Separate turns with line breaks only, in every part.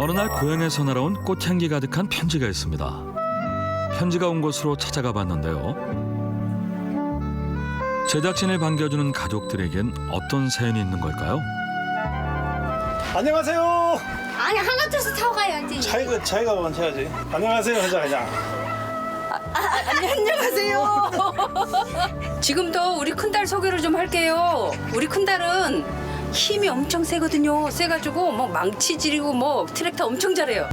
어느 날 고향에서 날아온 꽃향기 가득한 편지가 있습니다. 편지가 온 곳으로 찾아가 봤는데요. 제작진을 반겨주는 가족들에겐 어떤 사연이 있는 걸까요?
안녕하세요.
아니 하나 둘씩 타고 가야지.
차이가 먼저 해야지. 안녕하세요. 하자 그냥.
안녕하세요. 지금도 우리 큰딸 소개를 좀 할게요. 우리 큰딸은 힘이 엄청 세거든요. 세가지고 뭐 망치 지리고 뭐 트랙터 엄청 잘해요.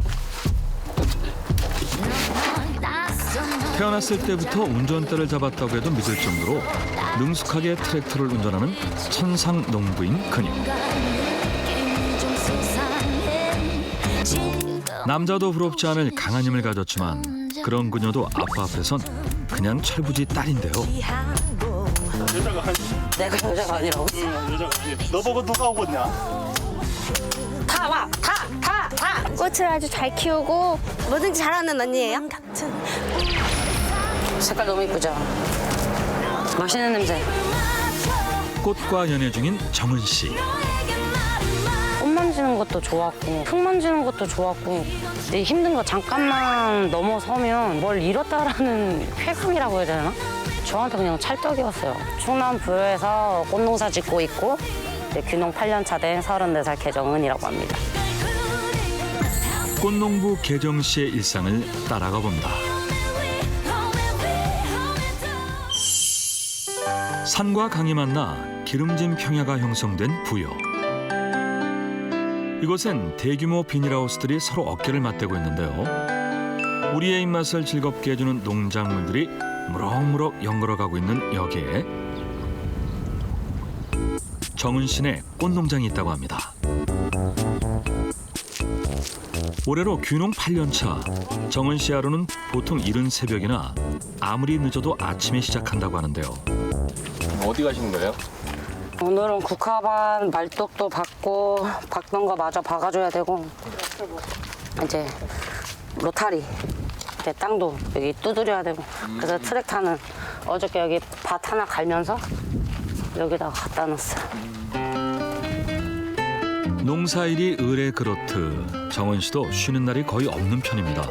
태어났을 때부터 운전대를 잡았다고 해도 믿을 정도로 능숙하게 트랙터를 운전하는 천상 농부인 그녀. 남자도 부럽지 않을 강한 힘을 가졌지만 그런 그녀도 아빠 앞에선 그냥 철부지 딸인데요.
여자가 아니.
내가 여자가 아니라고?
여자가 아니. 너 보고 누가 오겠냐?
다 와, 다.
꽃을 아주 잘 키우고 뭐든지 잘하는 언니예요.
색깔 너무 이쁘죠? 맛있는 냄새.
꽃과 연애 중인 정은 씨.
꽃 만지는 것도 좋았고 흙 만지는 것도 좋았고 내 힘든 거 잠깐만 넘어서면 뭘 잃었다라는 쾌감이라고 해야 되나? 저한테 그냥 찰떡이었어요. 충남 부여에서 꽃농사 짓고 있고 이제 귀농 8년 차 된 34살 개정은이라고 합니다.
꽃농부 개정 씨의 일상을 따라가 봅니다. 산과 강이 만나 기름진 평야가 형성된 부여. 이곳엔 대규모 비닐하우스들이 서로 어깨를 맞대고 있는데요. 우리의 입맛을 즐겁게 해주는 농작물들이 무럭무럭 연걸어가고 있는 여기에 정은 씨네 꽃농장이 있다고 합니다. 올해로 귀농 8년 차. 정은 씨 하루는 보통 이른 새벽이나 아무리 늦어도 아침에 시작한다고 하는데요.
어디 가시는 거예요?
오늘은 국화반 말뚝도 받고 박던 거 마저 박아줘야 되고 이제 로타리 이제 땅도 여기 두드려야 되고 그래서 트랙터는 어저께 여기 밭 하나 갈면서 여기다가 갖다 놨어요.
농사일이 을에 그렇듯 정은 씨도 쉬는 날이 거의 없는 편입니다.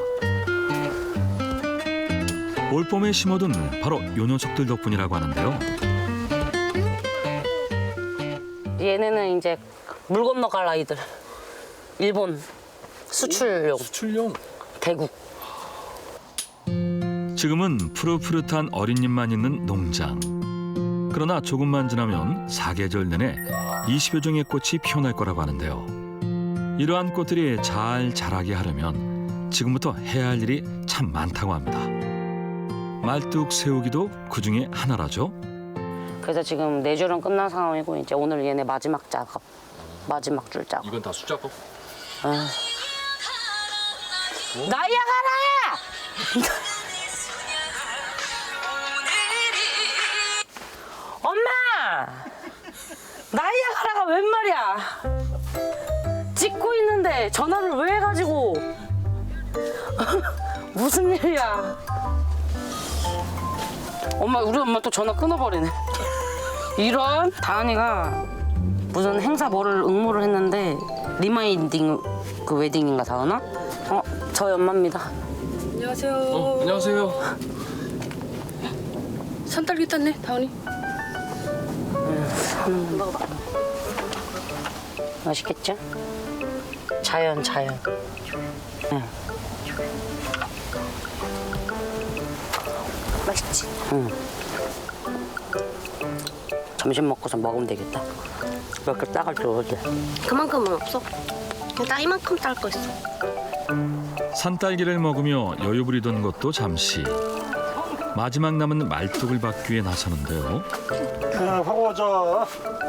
올봄에 심어둔 바로 요 녀석들 덕분이라고 하는데요.
얘네는 이제 물 건너갈 아이들. 일본 수출용
수출용?
대국.
지금은 푸릇푸릇한 어린 잎만 있는 농장. 그러나 조금만 지나면 사계절 내내 20여 종의 꽃이 피어날 거라고 하는데요. 이러한 꽃들이 잘 자라게 하려면 지금부터 해야 할 일이 참 많다고 합니다. 말뚝 세우기도 그 중에 하나라죠.
그래서 지금 4줄은 끝난 상황이고 이제 오늘 얘네 마지막 작업. 마지막 줄 작업.
이건 다 수작업?
나이야 가라! 엄마! 나이야 가라가 웬 말이야? 찍고 있는데 전화를 왜 해가지고? 무슨 일이야? 엄마, 우리 엄마 또 전화 끊어버리네. 이런? 다은이가 무슨 행사 뭐를 응모를 했는데 리마인딩 그 웨딩인가 다은아? 저희 엄마입니다.
안녕하세요.
안녕하세요.
산딸기 땄네, 다은이.
맛있겠죠? 자연. 응.
맛있지?
응. 점심 먹고서 먹으면 되겠다. 몇 개 따갈 줄 어디?
그만큼은 없어. 그냥 나 이만큼 딸 거 있어.
산딸기를 먹으며 여유 부리던 것도 잠시. 마지막 남은 말뚝을 받기 위해 나서는데요.
하고 오자.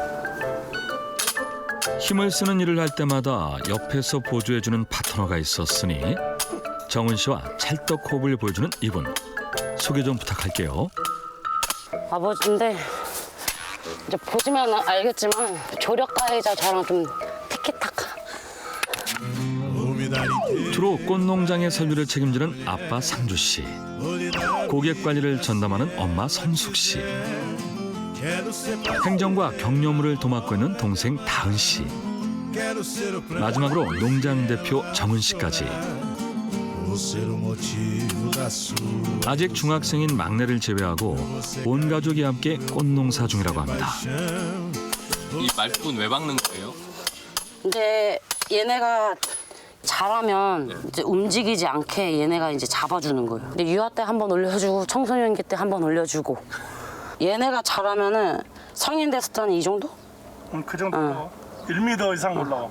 힘을 쓰는 일을 할 때마다 옆에서 보조해주는 파트너가 있었으니 정은 씨와 찰떡 호흡을 보여주는 이분. 소개 좀 부탁할게요.
아버지인데 이제 보시면 알겠지만 조력가이자 저랑 좀 티키타카.
주로 꽃농장의 설비를 책임지는 아빠 상주 씨, 고객 관리를 전담하는 엄마 성숙 씨, 행정과 경료물을 도맡고 있는 동생 다은 씨. 마지막으로 농장 대표 정은 씨까지. 아직 중학생인 막내를 제외하고 온 가족이 함께 꽃농사 중이라고 합니다.
이 말뿐 왜 박는 거예요?
이제 얘네가 자라면 이제 움직이지 않게 얘네가 이제 잡아주는 거예요. 근데 유아 때 한 번 올려주고 청소년기 때 한 번 올려주고 얘네가 자라면은 성인 됐을 때는 이 정도?
그 정도. 1m 이상 올라와.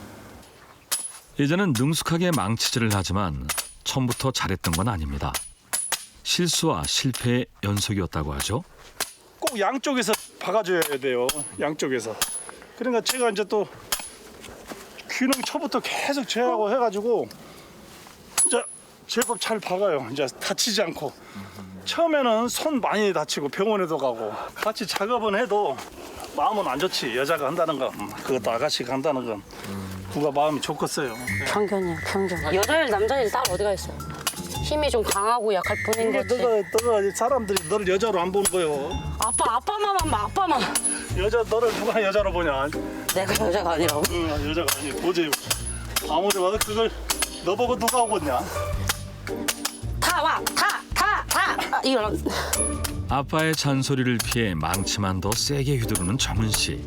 이제는 능숙하게 망치질을 하지만 처음부터 잘했던 건 아닙니다. 실수와 실패의 연속이었다고 하죠.
꼭 양쪽에서 박아줘야 돼요. 양쪽에서. 그러니까 제가 이제 또 균형 처부터 계속 제하고 해가지고 이제 제법 잘 박아요. 이제 다치지 않고. 처음에는 손 많이 다치고 병원에도 가고 같이 작업은 해도 마음은 안 좋지. 여자가 한다는 건 그것도 아가씨가 한다는 건 누가 마음이 좋겠어요.
편견이야, 편견. 여자일 남자일 딸 어디가 있어요? 힘이 좀 강하고 약할 뿐인 거지.
너가 사람들이 너를 여자로 안 보는 거요.
아빠만 봐, 아빠만.
너를 누가 여자로 보냐?
내가 여자가 아니라고?
응, 여자가 아니 보지. 아무리 봐도 그걸 너 보고 누가 오겠냐?
다 와, 다. 이런.
아빠의 잔소리를 피해 망치만 더 세게 휘두르는 정은 씨.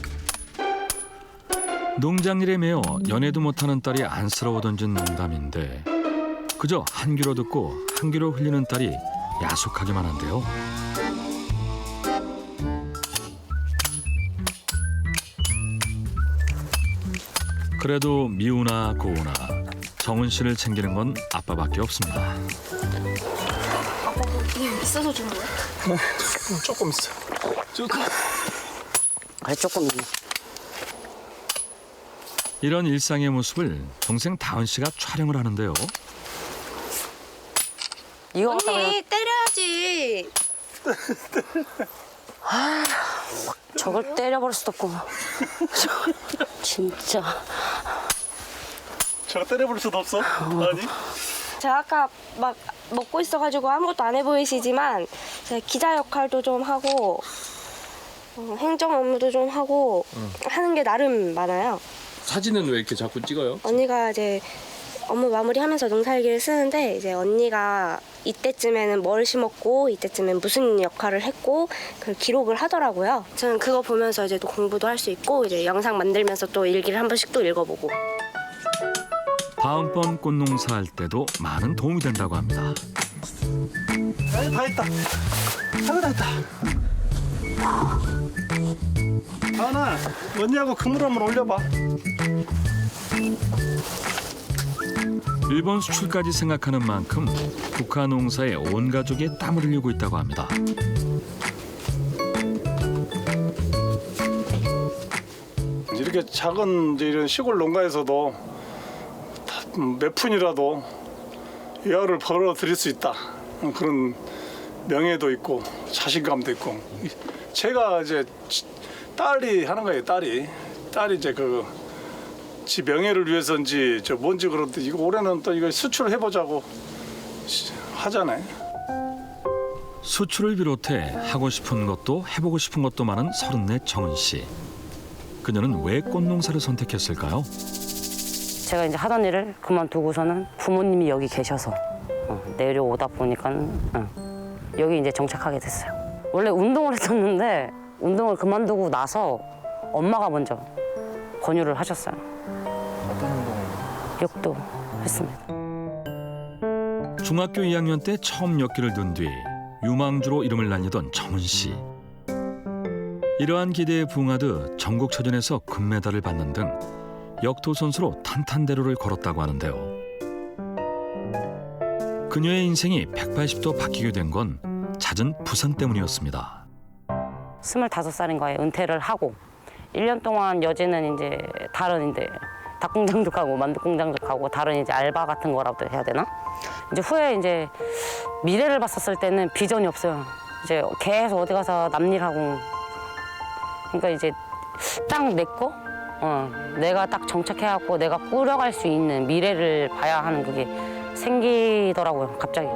농장일에 매여 연애도 못하는 딸이 안쓰러워 던진 농담인데 그저 한 귀로 듣고 한 귀로 흘리는 딸이 야속하기만 한데요. 그래도 미우나 고우나 정은 씨를 챙기는 건 아빠밖에 없습니다.
이게 있어서 준 거야?
조금 있어. 조금.
그래, 조금.
이런 일상의 모습을 동생 다은 씨가 촬영을 하는데요.
이거 갖다가
언니 때려야지.
저걸 때려버릴 수도 없고. 진짜.
제가 때려볼 수도 없어. 아니?
제가 아까 막 먹고 있어가지고 아무것도 안 해 보이시지만 제가 기자 역할도 좀 하고 행정 업무도 좀 하고 하는 게 나름 많아요.
사진은 왜 이렇게 자꾸 찍어요?
언니가 이제 업무 마무리하면서 농사일기를 쓰는데 이제 언니가 이때쯤에는 뭘 심었고 이때쯤엔 무슨 역할을 했고 그 기록을 하더라고요. 저는 그거 보면서 이제 또 공부도 할 수 있고 이제 영상 만들면서 또 일기를 한 번씩 또 읽어보고.
다음번 꽃농사 할 때도 많은 도움이 된다고 합니다.
다 했다. 다 했다. 다은아, 언니하고 그물 한번 올려봐.
일본 수출까지 생각하는 만큼 국화 농사에 온 가족이 땀을 흘리고 있다고 합니다.
이렇게 작은 이제 이런 시골 농가에서도 몇 푼이라도 여를 벌어 드릴 수 있다. 그런 명예도 있고 자신감도 있고. 제가 이제 딸이 하는 거예요. 딸이 이제 지 명예를 위해서인지 저 뭔지 그런데 이거 올해는 또 이걸 수출을 해보자고 하잖아요.
수출을 비롯해 하고 싶은 것도 해보고 싶은 것도 많은 34 정은 씨. 그녀는 왜 꽃농사를 선택했을까요?
제가 이제 하던 일을 그만두고서는 부모님이 여기 계셔서 내려오다 보니까 여기 이제 정착하게 됐어요. 원래 운동을 했었는데 운동을 그만두고 나서 엄마가 먼저 권유를 하셨어요.
어떤 운동을?
역도 했습니다.
중학교 2학년 때 처음 역기를 든 뒤 유망주로 이름을 날리던 정은 씨. 이러한 기대에 부응하듯 전국체전에서 금메달을 받는 등 역도 선수로 탄탄대로를 걸었다고 하는데요. 그녀의 인생이 180도 바뀌게 된 건 잦은 부상 때문이었습니다.
25살인 거에 은퇴를 하고 1년 동안 여지는 이제 다른 이제 닭공장도 가고 만두 공장도 가고 다른 이제 알바 같은 거라도 해야 되나? 이제 후에 이제 미래를 봤었을 때는 비전이 없어요. 이제 계속 어디 가서 남일하고 그러니까 이제 딱 내 거, 내가 딱 정착해갖고 내가 꾸려갈 수 있는 미래를 봐야 하는 그게 생기더라고요, 갑자기.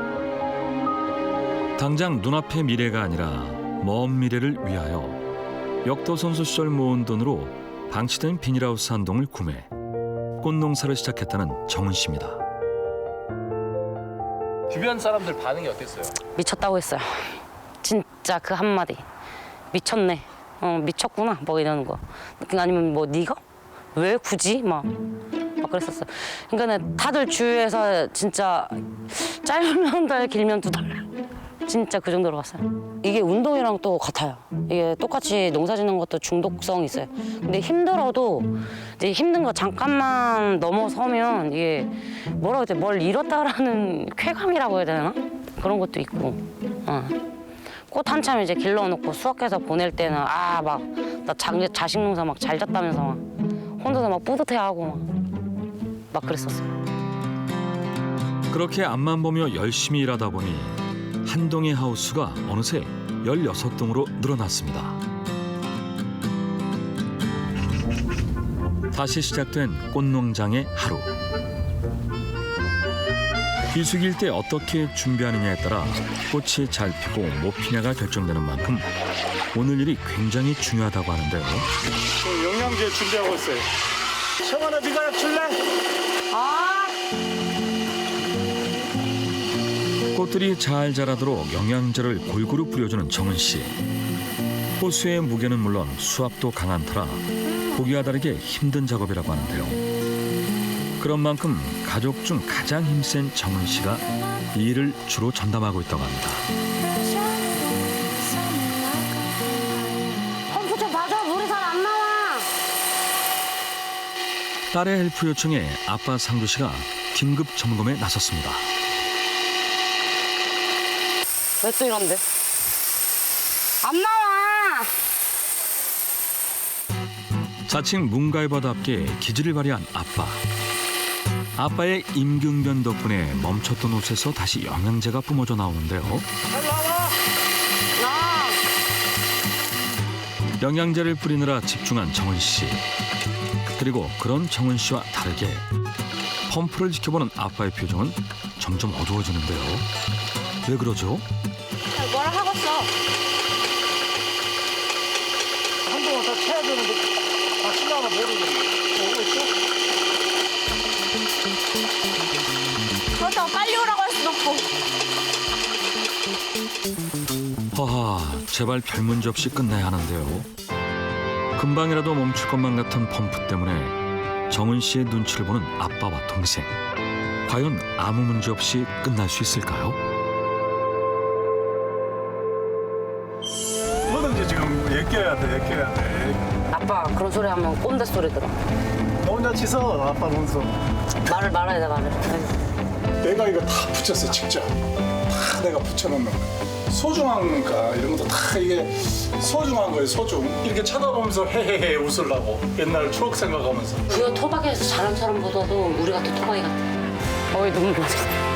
당장 눈앞의 미래가 아니라 먼 미래를 위하여 역도 선수 시절 모은 돈으로 방치된 비닐하우스 한 동을 구매. 꽃농사를 시작했다는 정은 씨입니다.
주변 사람들 반응이 어땠어요?
미쳤다고 했어요. 진짜 그 한마디. 미쳤네. 미쳤구나. 뭐 이러는 거. 아니면 뭐 네가? 왜 굳이? 막 그랬었어요. 그러니까 다들 주위에서 진짜 짧으면 한 달, 길면 2달. 진짜 그 정도로 갔어요. 이게 운동이랑 또 같아요. 이게 똑같이 농사 짓는 것도 중독성이 있어요. 근데 힘들어도 이제 힘든 거 잠깐만 넘어서면 이게 뭐라고 해야 돼? 뭘 잃었다라는 쾌감이라고 해야 되나? 그런 것도 있고. 꽃 한참 이제 길러놓고 수확해서 보낼 때는 막 나 자식 농사 막 잘 졌다면서 막 혼자서 막 뿌듯해하고 막 그랬었어요.
그렇게 앞만 보며 열심히 일하다 보니 한 동의 하우스가 어느새 16동으로 늘어났습니다. 다시 시작된 꽃농장의 하루. 비수기일 때 어떻게 준비하느냐에 따라 꽃이 잘 피고 못 피냐가 결정되는 만큼 오늘 일이 굉장히 중요하다고 하는데요.
영양제 준비하고 있어요. 청아나 네가 줄래?
꽃들이 잘 자라도록 영양제를 골고루 뿌려주는 정은 씨. 호수의 무게는 물론 수압도 강한 터라 보기와 다르게 힘든 작업이라고 하는데요. 그런 만큼 가족 중 가장 힘센 정은 씨가 이 일을 주로 전담하고 있다고 합니다.
펌프 좀 봐줘. 물이 잘 안 나와.
딸의 헬프 요청에 아빠 상두 씨가 긴급 점검에 나섰습니다.
왜 또 이런데? 안 나와.
자칭 문가이버답게 기질을 발휘한 아빠. 아빠의 임경변 덕분에 멈췄던 옷에서 다시 영양제가 뿜어져 나오는데요. 영양제를 뿌리느라 집중한 정은 씨. 그리고 그런 정은 씨와 다르게 펌프를 지켜보는 아빠의 표정은 점점 어두워지는데요. 왜 그러죠?
뭐라 하겠어.
한동안 다 쳐야 되는데 신나가 모르겠네. 오고 있어?
그렇다고 빨리 오라고 할 수도 없고.
허하, 제발 별 문제 없이 끝내야 하는데요. 금방이라도 멈출 것만 같은 펌프 때문에 정은 씨의 눈치를 보는 아빠와 동생. 과연 아무 문제 없이 끝날 수 있을까요?
뭐든지 지금 얘기해야 돼.
아빠 그런 소리 하면 꼰대 소리 들어.
너 혼자 치서 아빠 문서.
말을 말아야 돼 말을.
내가 이거 다 붙였어 직접. 다 내가 붙여놓는 거야. 소중하니까 이런 것도 다 이게 소중한 거예요. 소중. 이렇게 쳐다보면서 헤헤헤 웃으려고 옛날 추억 생각하면서.
그거 토박이에서 자란 사람보다도 우리가 더 토박이 같아. 어이 눈물 나.